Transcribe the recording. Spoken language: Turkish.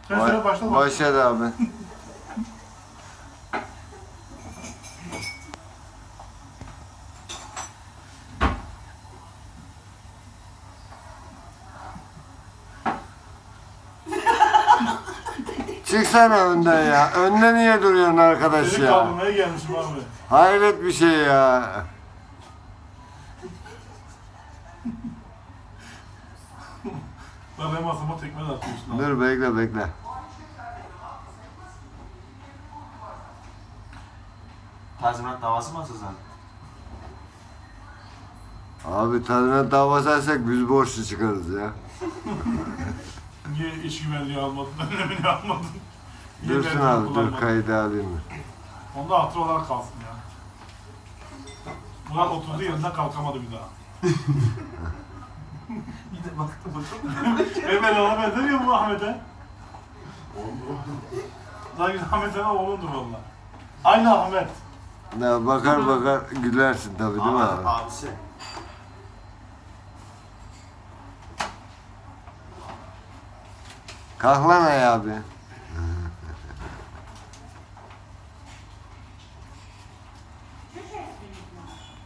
Sen söyle başla. Başladı abi. Çıksana önden ya. Önde niye duruyorsun arkadaş Seni ya? kaldırmaya gelmişim abi. Hayret bir şey ya. Lan benim asıma tekme de atıyorsun abi. Dur bekle. Tazminat davası mı açacağız? Abi tazminat davası açsak biz borçlu çıkarız ya. Niye iş güvenliği almadın, önlemini almadın? Niye Dursun verdiğini abi dur kullanmadın? kaydı alayım. Onda hatır olarak kalsın ya. Murat oturduğu yerinden kalkamadı bir daha. Bir de baktım Hemen ona benzemiyor mu Ahmet'e? Sanki Ahmet'e oğlundur valla. Aynı Ahmet. Ya bakar gülersin tabii değil mi abi? Abisi. Kalk lan ayağa abi.